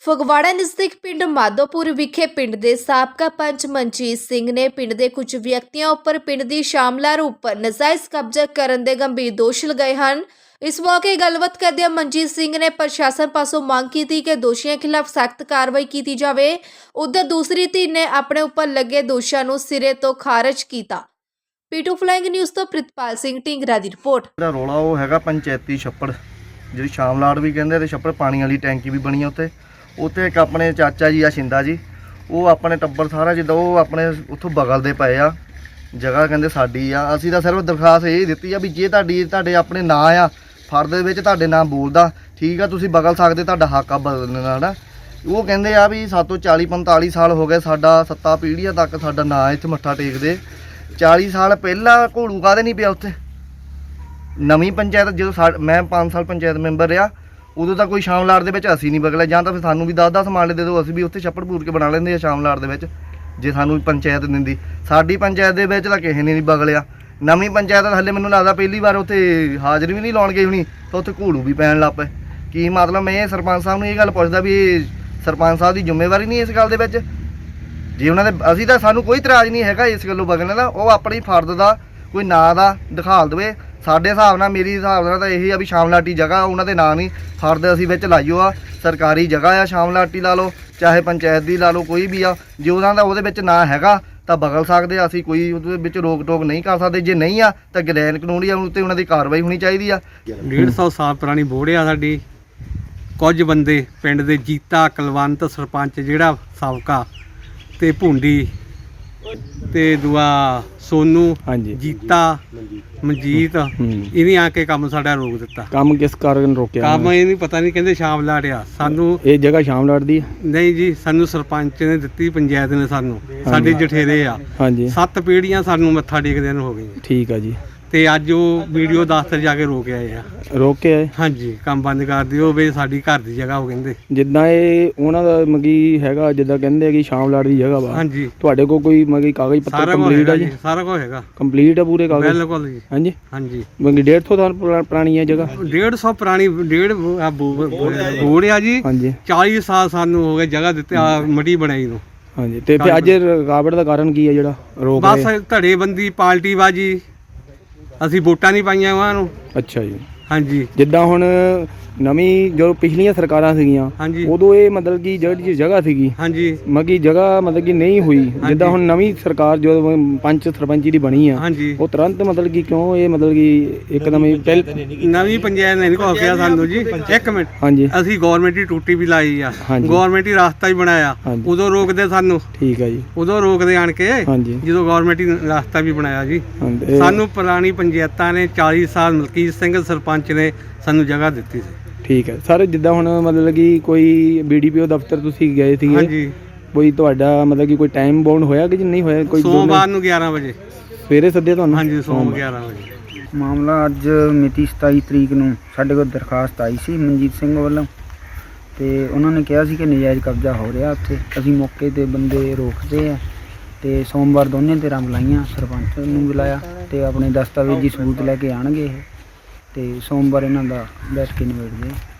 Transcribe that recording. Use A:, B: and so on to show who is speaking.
A: ਫਗਵਾੜਾ ਨਜ਼ਦੀਕ ਪਿੰਡ ਮਾਧੋਪੁਰ ਵਿਖੇ ਪਿੰਡ ਦੇ ਸਾਬਕਾ ਪੰਚ ਮਨਜੀਤ ਸਿੰਘ ਨੇ ਪਿੰਡ ਦੇ ਕੁਝ ਵਿਅਕਤੀਆਂ ਉੱਪਰ ਪਿੰਡ ਦੀ ਸ਼ਾਮਲਾਰ ਉੱਪਰ ਨਾਜਾਇਜ਼ ਕਬਜ਼ਾ ਕਰਨ ਦੇ ਗੰਭੀਰ ਦੋਸ਼ ਲਗਾਏ ਹਨ। ਇਸ ਮੌਕੇ ਗੱਲਬਾਤ ਕਰਦਿਆਂ ਮਨਜੀਤ ਸਿੰਘ ਨੇ ਪ੍ਰਸ਼ਾਸਨ ਪਾਸੋਂ ਮੰਗ ਕੀਤੀ ਕਿ ਦੋਸ਼ੀਆਂ ਖਿਲਾਫ ਸਖਤ ਕਾਰਵਾਈ ਕੀਤੀ ਜਾਵੇ। ਉਧਰ ਦੂਸਰੀ ਧਿਰ ਨੇ ਆਪਣੇ ਉੱਪਰ ਲੱਗੇ ਦੋਸ਼ਾਂ ਨੂੰ ਸਿਰੇ ਤੋਂ ਖਾਰਜ ਕੀਤਾ। ਪੀਟੂ ਫਲਾਈਂਗ ਨਿਊਜ਼ ਤੋਂ ਪ੍ਰਿਤਪਾਲ ਸਿੰਘ ਢਿੰਗਰਾ ਦੀ ਰਿਪੋਰਟ।
B: ਜਿਹੜਾ ਰੌਲਾ ਉਹ ਹੈਗਾ ਪੰਚਾਇਤੀ ਛੱਪੜ, ਜਿਹੜੀ ਸ਼ਾਮਲਾੜ ਵੀ ਕਹਿੰਦੇ ਤੇ ਛੱਪੜ ਪਾਣੀ ਵਾਲੀ ਟੈਂਕੀ ਵੀ ਬਣੀ ਉੱਤੇ। ਉੱਥੇ ਇੱਕ ਆਪਣੇ ਚਾਚਾ ਜੀ ਆ ਸ਼ਿੰਦਾ ਜੀ, ਉਹ ਆਪਣੇ ਟੱਬਰ ਸਾਰਾ ਜਿੱਦਾਂ ਉਹ ਆਪਣੇ ਉੱਥੋਂ ਬਗਲਦੇ ਪਏ ਆ ਜਗ੍ਹਾ, ਕਹਿੰਦੇ ਸਾਡੀ ਆ। ਅਸੀਂ ਤਾਂ ਸਿਰਫ ਦਰਖਾਸਤ ਇਹ ਦਿੱਤੀ ਆ ਵੀ ਜੇ ਤੁਹਾਡੇ ਆਪਣੇ ਨਾਂ ਆ ਫਰਦ ਦੇ ਵਿੱਚ ਤੁਹਾਡੇ ਨਾਂ ਬੋਲਦਾ ਠੀਕ ਆ, ਤੁਸੀਂ ਬਗਲ ਸਕਦੇ, ਤੁਹਾਡਾ ਹੱਕ ਆ ਬਦਲਣ ਦਾ। ਉਹ ਕਹਿੰਦੇ ਆ ਵੀ ਸਾਤੋਂ 40-45 ਸਾਲ ਹੋ ਗਏ, ਸਾਡਾ 7 ਪੀੜ੍ਹੀਆਂ ਤੱਕ ਸਾਡਾ ਨਾਂ ਇੱਥੇ ਮੱਥਾ ਟੇਕਦੇ। 40 ਸਾਲ ਪਹਿਲਾਂ ਘੋੜੂ ਕਾਹਦੇ ਨਹੀਂ ਪਿਆ ਉੱਥੇ। ਨਵੀਂ ਪੰਚਾਇਤ ਜਦੋਂ ਮੈਂ 5 ਸਾਲ ਪੰਚਾਇਤ ਮੈਂਬਰ ਰਿਹਾ, ਉਦੋਂ ਤਾਂ ਕੋਈ ਸ਼ਾਮਲਾੜ ਦੇ ਵਿੱਚ ਅਸੀਂ ਨਹੀਂ ਬਗਲਿਆ। ਜਾਂ ਤਾਂ ਫਿਰ ਸਾਨੂੰ ਵੀ 10-10 ਮਾਲੇ ਦੇ ਦਿਓ, ਅਸੀਂ ਵੀ ਉੱਥੇ ਛੱਪੜ ਪੂਰ ਕੇ ਬਣਾ ਲੈਂਦੇ ਆ ਸ਼ਾਮਲਾੜ ਦੇ ਵਿੱਚ, ਜੇ ਸਾਨੂੰ ਪੰਚਾਇਤ ਦਿੰਦੀ। ਸਾਡੀ ਪੰਚਾਇਤ ਦੇ ਵਿੱਚ ਤਾਂ ਕਿਸੇ ਨੇ ਨਹੀਂ ਬਗਲਿਆ। ਨਵੀਂ ਪੰਚਾਇਤ ਹਲੇ ਮੈਨੂੰ ਲੱਗਦਾ ਪਹਿਲੀ ਵਾਰ ਉੱਥੇ ਹਾਜ਼ਰੀ ਵੀ ਨਹੀਂ ਲਾਉਣ ਗਈ ਹੋਣੀ, ਤਾਂ ਉੱਥੇ ਘੋੜੂ ਵੀ ਪੈਣ ਲੱਗ ਪਏ। ਕੀ ਮਤਲਬ? ਮੈਂ ਸਰਪੰਚ ਸਾਹਿਬ ਨੂੰ ਇਹ ਗੱਲ ਪੁੱਛਦਾ ਵੀ ਇਹ ਸਰਪੰਚ ਸਾਹਿਬ ਦੀ ਜ਼ਿੰਮੇਵਾਰੀ ਨਹੀਂ ਇਸ ਗੱਲ ਦੇ ਵਿੱਚ? ਜੇ ਉਹਨਾਂ ਦੇ ਅਸੀਂ ਤਾਂ ਸਾਨੂੰ ਕੋਈ ਇਤਰਾਜ਼ ਨਹੀਂ ਹੈਗਾ ਇਸ ਗੱਲੋਂ ਬਗਲਣ ਦਾ, ਉਹ ਆਪਣੀ ਫਰਦ ਦਾ ਕੋਈ ਨਾਂ ਦਾ ਦਿਖਾਲ ਦੇਵੇ। ਸਾਡੇ ਹਿਸਾਬ ਨਾਲ, ਮੇਰੀ ਹਿਸਾਬ ਨਾਲ ਤਾਂ ਇਹ ਆ ਵੀ ਸ਼ਾਮਲਾਟੀ ਜਗ੍ਹਾ ਉਹਨਾਂ ਦੇ ਨਾਂ ਨਹੀਂ, ਫਰਦ ਅਸੀਂ ਵਿੱਚ ਲਾਈਓ ਆ। ਸਰਕਾਰੀ ਜਗ੍ਹਾ ਆ, ਸ਼ਾਮਲਾਟੀ ਲਾ ਲਓ ਚਾਹੇ ਪੰਚਾਇਤ ਦੀ ਲਾ ਲਓ, ਕੋਈ ਵੀ ਆ। ਜੇ ਉਹਨਾਂ ਦਾ ਉਹਦੇ ਵਿੱਚ ਨਾਂ ਹੈਗਾ ਤਾਂ ਬਗਲ ਸਕਦੇ ਆ, ਅਸੀਂ ਕੋਈ ਉਹਦੇ ਵਿੱਚ ਰੋਕ ਟੋਕ ਨਹੀਂ ਕਰ ਸਕਦੇ। ਜੇ ਨਹੀਂ ਆ ਤਾਂ ਗਲੈਨ ਕਾਨੂੰਨੀ ਉੱਤੇ ਉਹਨਾਂ ਦੀ ਕਾਰਵਾਈ ਹੋਣੀ ਚਾਹੀਦੀ ਆ।
C: 150 ਸਾਲ ਪੁਰਾਣੀ ਬੋੜ ਆ ਸਾਡੀ। ਕੁਝ ਬੰਦੇ ਪਿੰਡ ਦੇ ਜੀਤਾ ਕੁਲਵੰਤ ਸਰਪੰਚ ਜਿਹੜਾ ਸਾਬਕਾ, ਤੇ ਭੁੰਡੀ ਤੇ ਦੂਆ ਸੋਨੂ, ਜੀਤਾ ਮਨਜੀਤ, ਇਹਨੇ ਆ ਕੇ ਕੰਮ ਸਾਡਾ ਰੋਕ ਦਿੱਤਾ।
D: ਕੰਮ ਕਿਸ ਕਾਰਨ ਰੋਕਿਆ?
C: ਕੰਮ ਇਹ ਨਹੀਂ ਪਤਾ ਨਹੀਂ, ਕਹਿੰਦੇ ਸ਼ਾਮਲਾੜ ਆ। ਸਾਨੂੰ
D: ਇਹ ਜਗ੍ਹਾ ਸ਼ਾਮਲਾੜ ਦੀ
C: ਨਹੀਂ ਜੀ, ਸਾਨੂੰ ਸਰਪੰਚ ਨੇ ਦਿੱਤੀ, ਪੰਚਾਇਤ ਨੇ ਸਾਨੂੰ, ਸਾਡੇ ਜਠੇਰੇ ਆ। 7 ਪੀੜ੍ਹੀਆਂ ਸਾਨੂੰ ਮੱਥਾ ਟੇਕਦਿਆਂ ਨੂੰ ਹੋ ਗਈਆਂ।
D: ਠੀਕ ਆ ਜੀ।
C: ਤੇ ਅੱਜ ਉਹ ਵੀਡੀਓ ਦਫ਼ਤਰ ਜਾ ਕੇ ਰੋਕ ਆਏ ਆ।
D: ਰੋਕ ਕੇ ਆਏ?
C: ਹਾਂਜੀ, ਕੰਮ ਬੰਦ ਕਰ ਦਿਓ ਵੀ ਸਾਡੀ ਘਰ ਦੀ ਜਗ੍ਹਾ, ਉਹ ਕਹਿੰਦੇ।
D: ਜਿੱਦਾਂ ਇਹ ਉਹਨਾਂ ਦਾ ਮਗੀ ਹੈਗਾ, ਜਿੱਦਾਂ ਕਹਿੰਦੇ ਆ ਕਿ ਸ਼ਾਮਲਾੜ ਦੀ ਜਗ੍ਹਾ ਵਾ।
C: ਹਾਂਜੀ।
D: ਤੁਹਾਡੇ ਕੋਲ ਕੋਈ ਮਗੀ ਕਾਗਜ਼ ਪੱਤਰ ਕੰਪਲੀਟ ਆ ਜੀ?
C: ਸਾਰਾ ਕੁਝ ਹੈਗਾ,
D: ਕੰਪਲੀਟ ਆ ਪੂਰੇ ਕਾਗਜ਼?
C: ਬਿਲਕੁਲ ਜੀ।
D: ਹਾਂਜੀ
C: ਹਾਂਜੀ।
D: ਮਗੀ 150 ਸਾਲ ਪੁਰਾਣੀ ਹੈ ਜਗ੍ਹਾ?
C: 150 ਪੁਰਾਣੀ ਬੋੜ ਆ ਜੀ।
D: ਹਾਂਜੀ।
C: 40 ਸਾਲ ਸਾਨੂੰ ਹੋ ਗਏ ਜਗ੍ਹਾ ਦਿੱਤੇ ਆ ਮੜੀ ਬਣਾਈ ਨੂੰ।
D: ਹਾਂਜੀ। ਤੇ ਫਿਰ ਅੱਜ ਰੁਕਾਵਟ ਦਾ ਕਾਰਨ ਕੀ ਹੈ ਜਿਹੜਾ ਰੋਕ?
C: ਬਸ ਧੜੇਬੰਦੀ, ਪਾਰਟੀਬਾਜੀ। ਅਸੀਂ ਵੋਟਾਂ ਨਹੀਂ ਪਾਈਆਂ ਉਹਨਾਂ ਨੂੰ।
D: ਅੱਛਾ ਜੀ।
C: ਹਾਂਜੀ।
D: ਜਿੱਦਾਂ ਹੁਣ ਨਵੀਂ ਜੋ ਪਿਛਲੀਆਂ ਸਰਕਾਰਾਂ ਸੀਗੀਆਂ, ਉਦੋਂ ਇਹ ਮਤਲਬ ਕਿ ਜਿਹੜੀ ਜਗ੍ਹਾ ਸੀਗੀ,
C: ਹਾਂਜੀ,
D: ਮਗੀ ਜਗ੍ਹਾ ਮਤਲਬ ਕਿ ਨਹੀਂ ਹੋਈ। ਜਿੱਦਾਂ ਹੁਣ ਨਵੀਂ ਸਰਕਾਰ ਜੋ ਪੰਚ ਸਰਪੰਚੀ ਦੀ ਬਣੀ ਆ, ਉਹ ਤੁਰੰਤ ਮਤਲਬ ਕਿ ਕਿਉਂ ਇਹ ਮਤਲਬ ਕਿ ਇੱਕਦਮ ਹੀ
C: ਨਵੀਂ ਪੰਚਾਇਤ ਨੇ ਨਹੀਂ ਕਿਹਾ ਸਾਨੂੰ ਜੀ। ਇੱਕ ਮਿੰਟ।
D: ਹਾਂਜੀ।
C: ਅਸੀਂ ਗੌਰਮੈਂਟ ਦੀ ਟੂਟੀ ਵੀ ਲਾਈ ਆ, ਗੌਰਮੈਂਟ ਦੀ ਰਸਤਾ ਵੀ ਬਣਾਇਆ, ਉਦੋਂ ਰੋਕਦੇ ਸਾਨੂੰ। ਠੀਕ ਆ ਜੀ। ਉਦੋਂ ਰੋਕਦੇ ਆਣ ਕੇ ਜਦੋਂ ਗੌਰਮੈਂਟ ਦੀ ਰਸਤਾ ਵੀ ਬਣਾਇਆ ਜੀ। ਸਾਨੂੰ ਪੁਰਾਣੀ ਪੰਚਾਇਤਾਂ ਨੇ 40 ਸਾਲ ਮਲਕੀਤ ਸਿੰਘ ਸਰਪੰਚ ਨੇ ਸਾਨੂੰ ਜਗ੍ਹਾ ਦਿੱਤੀ ਸੀ।
D: ਠੀਕ ਹੈ ਸਰ। ਜਿੱਦਾਂ ਹੁਣ ਮਤਲਬ ਕਿ ਕੋਈ BDPO ਦਫ਼ਤਰ ਤੁਸੀਂ ਗਏ ਸੀਗੇ?
C: ਹਾਂਜੀ।
D: ਕੋਈ ਤੁਹਾਡਾ ਮਤਲਬ ਕਿ ਕੋਈ ਟਾਈਮ ਬਾਉਂਡ ਹੋਇਆ ਕਿ ਨਹੀਂ ਹੋਇਆ? ਕੋਈ
C: ਸੋਮਵਾਰ ਨੂੰ 11 ਵਜੇ
D: ਸਵੇਰੇ ਸੱਦੇ ਤੁਹਾਨੂੰ?
C: ਹਾਂਜੀ, ਸੋਮਵਾਰ 11 ਵਜੇ।
E: ਮਾਮਲਾ ਅੱਜ ਮਿਤੀ 27 ਤਰੀਕ ਨੂੰ ਸਾਡੇ ਕੋਲ ਦਰਖਾਸਤ ਆਈ ਸੀ ਮਨਜੀਤ ਸਿੰਘ ਵੱਲੋਂ, ਤੇ ਉਹਨਾਂ ਨੇ ਕਿਹਾ ਸੀ ਕਿ ਨਜਾਇਜ਼ ਕਬਜ਼ਾ ਹੋ ਰਿਹਾ ਉੱਥੇ। ਅਸੀਂ ਮੌਕੇ 'ਤੇ ਬੰਦੇ ਰੋਕਦੇ ਆ, ਤੇ ਸੋਮਵਾਰ ਦੋਨੇ ਧਿਰਾਂ ਬੁਲਾਈਆਂ, ਸਰਪੰਚ ਨੂੰ ਬੁਲਾਇਆ ਤੇ ਆਪਣੇ ਦਸਤਾਵੇਜ਼ੀ ਸਬੂਤ ਲੈ ਕੇ ਆਉਣਗੇ ਇਹ, ਤੇ ਸੋਮਵਾਰ ਇਹਨਾਂ ਦਾ ਬੈਠ ਕੇ ਨਿਬੇੜਦੇ।